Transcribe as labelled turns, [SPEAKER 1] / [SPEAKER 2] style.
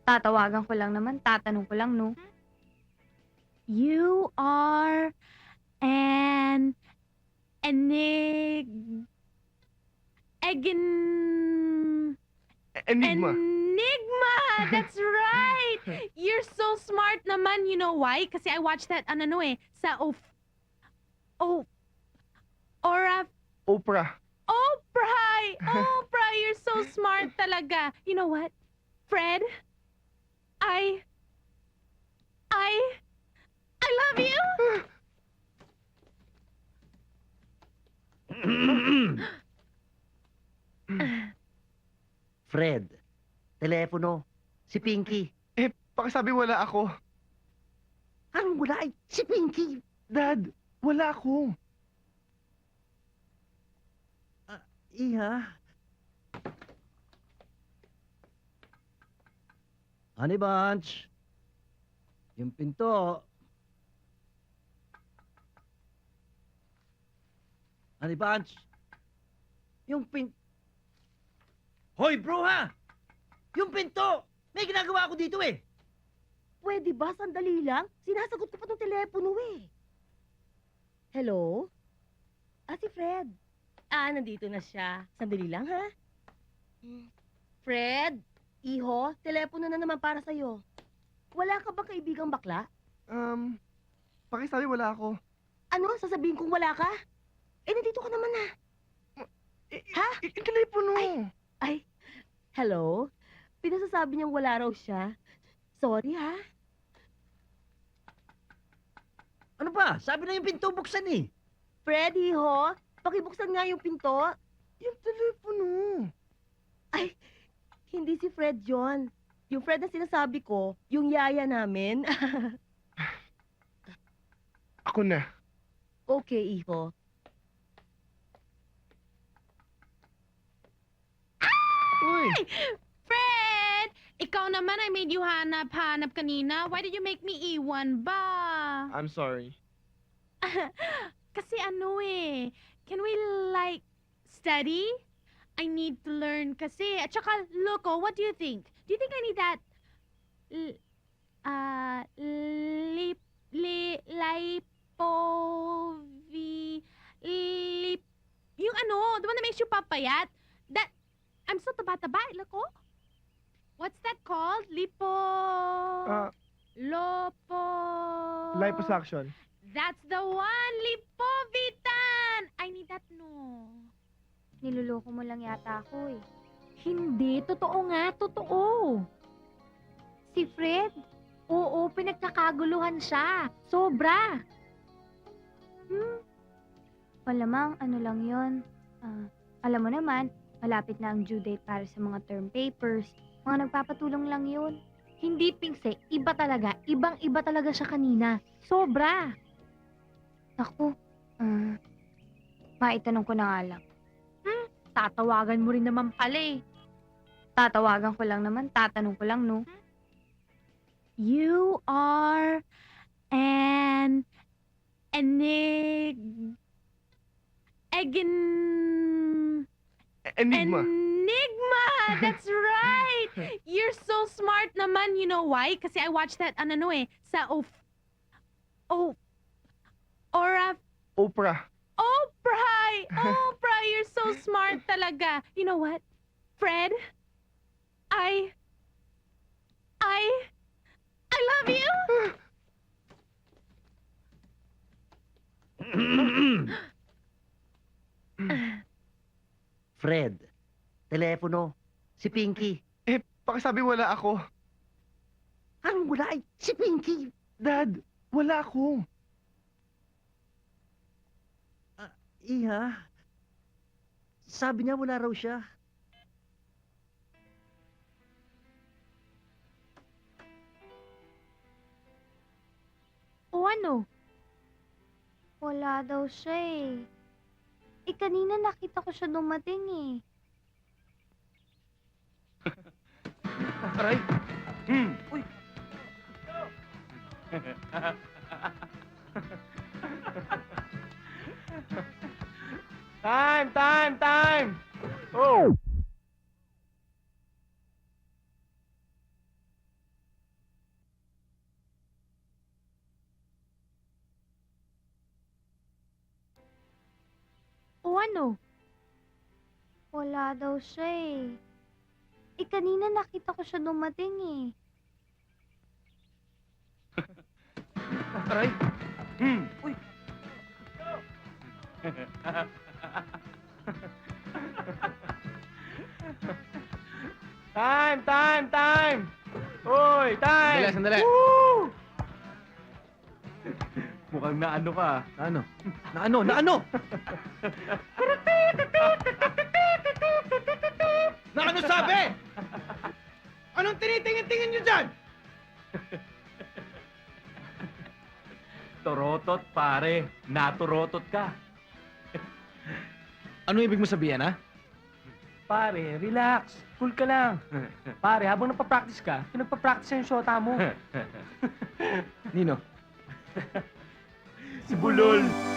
[SPEAKER 1] Tatawagan ko lang naman, tatanong ko lang, no? You are an enig... Egin...
[SPEAKER 2] Enigma.
[SPEAKER 1] Enigma! That's right! You're so smart naman. You know why? Kasi I watched that, sa Ora...
[SPEAKER 2] Oprah.
[SPEAKER 1] Oprah! Oprah, you're so smart talaga. You know what? Fred, I... I love you!
[SPEAKER 3] Fred, telepono, si Pinky.
[SPEAKER 2] Pakisabi wala ako.
[SPEAKER 3] Anong wala ay si Pinky?
[SPEAKER 2] Dad, wala ako.
[SPEAKER 3] Iha. Honey Bunch, yung pinto. Honey Bunch, yung Hoy, bro ha! Yung pinto! May ginagawa ako dito eh!
[SPEAKER 4] Pwede ba? Sandali lang. Sinasagot ko pa tong telepono eh. Hello? Si Fred. Nandito na siya. Sandali lang, ha? Fred, iho, telepono na naman para sa'yo. Wala ka bang kaibigang bakla?
[SPEAKER 2] Pakisabi wala ako.
[SPEAKER 4] Ano? Sasabihin kong wala ka? Nandito ka naman na. Ha?
[SPEAKER 2] Yung telepono.
[SPEAKER 4] Ay, hello? Pinasasabi niyang wala raw siya. Sorry, ha?
[SPEAKER 3] Ano ba? Sabi na yung pinto buksan eh!
[SPEAKER 4] Fred, iho, pakibuksan nga yung pinto.
[SPEAKER 2] Yung telepono.
[SPEAKER 4] Ay, hindi si Fred John. Yung Fred na sinasabi ko, yung yaya namin.
[SPEAKER 2] Ako na.
[SPEAKER 4] Okay, iho.
[SPEAKER 2] Uy,
[SPEAKER 1] Fred! Ikaw naman, I made you hanap-hanap kanina. Why did you make me iwan ba?
[SPEAKER 2] I'm sorry.
[SPEAKER 1] Kasi can we study? I need to learn kasi. At saka, Loco, what do you think? Do you think I need that, yung the one that makes you papayat? That, I'm so taba-taba, Loco. What's that called? Lopo...
[SPEAKER 2] Liposuction.
[SPEAKER 1] That's the one! Lipovitan! I need that, no. Niloloko mo lang yata ako eh.
[SPEAKER 5] Hindi, totoo nga, totoo. Si Fred, oo, pinagkakaguluhan siya. Sobra.
[SPEAKER 1] Malamang lang yon. Alam mo naman, malapit na ang due date para sa mga term papers. Mga nagpapatulong lang yun.
[SPEAKER 5] Hindi, Pingse, iba talaga. Ibang-iba talaga siya kanina. Sobra.
[SPEAKER 1] Naku, maitanong ko na nga lang.
[SPEAKER 5] Tatawagan mo rin naman pala eh.
[SPEAKER 1] Tatawagan ko lang naman, tatanong ko lang, no?
[SPEAKER 5] You are an
[SPEAKER 1] Egin...
[SPEAKER 2] Enigma.
[SPEAKER 1] Enigma! That's right! You're so smart naman. You know why? Kasi I watched that, sa Ora...
[SPEAKER 2] Oprah.
[SPEAKER 1] Oprah! Oprah, you're so smart talaga. You know what? Fred, I love you!
[SPEAKER 3] Fred, telepono, si Pinky.
[SPEAKER 2] Pakisabi wala ako.
[SPEAKER 3] Anong wala ay si Pinky?
[SPEAKER 2] Dad, wala ako.
[SPEAKER 3] Iha. Sabi niya wala raw siya.
[SPEAKER 5] o ano?
[SPEAKER 1] Wala daw siya eh. Kanina nakita ko siya dumating eh.
[SPEAKER 2] Aray.
[SPEAKER 3] Uy.
[SPEAKER 2] Time! Oh!
[SPEAKER 5] ano? Wala daw siya eh. Eh, kanina nakita ko siya dumating eh.
[SPEAKER 2] Aray!
[SPEAKER 3] Uy!
[SPEAKER 2] Time! Time! Time! Uy! Time!
[SPEAKER 6] Sandali, sandali.
[SPEAKER 2] Woo! Mukhang naano ka.
[SPEAKER 6] Naano? Naano?
[SPEAKER 3] Na ano sabi? Anong tinitingin-tingin nyo dyan?
[SPEAKER 2] Torotot, pare. Naturotot ka.
[SPEAKER 6] Ano ibig mo sabihin, ha?
[SPEAKER 2] Pare, relax. Cool ka lang. Pare, habang nagpa-practice ka, pinagpa-practice yung shota mo.
[SPEAKER 6] Nino?
[SPEAKER 2] Si Bulol.